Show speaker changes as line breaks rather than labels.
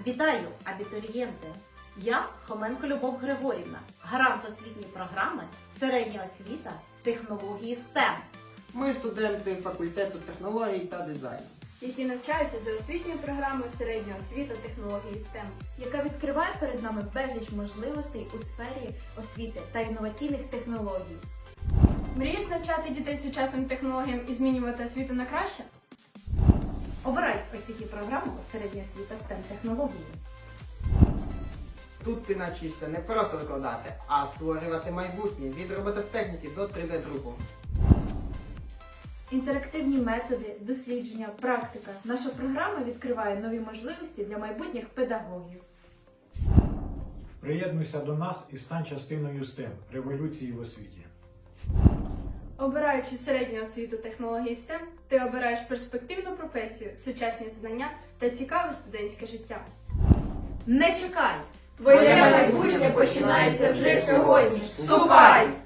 Вітаю, абітурієнти! Я Хоменко Любов Григорівна, гарант освітньої програми «Середня освіта. Технології STEM».
Ми студенти факультету технологій та дизайну,
які навчаються за освітньою програмою «Середня освіта. Технології STEM»,
яка відкриває перед нами безліч можливостей у сфері освіти та інноваційних технологій.
Мрієш навчати дітей сучасним технологіям і змінювати освіту на краще?
Обирай освітню програму «Середня освіта STEM технології».
Тут ти навчишся не просто викладати, а створювати майбутнє від робототехніки до 3D-друку.
Інтерактивні методи, дослідження, практика. Наша програма відкриває нові можливості для майбутніх педагогів.
Приєднуйся до нас і стань частиною STEM – революції в освіті.
Обираючи середню освіту технології STEM, ти обираєш перспективну професію, сучасні знання та цікаве студентське життя.
Не чекай!
Твоє майбутнє починається вже сьогодні. Вступай!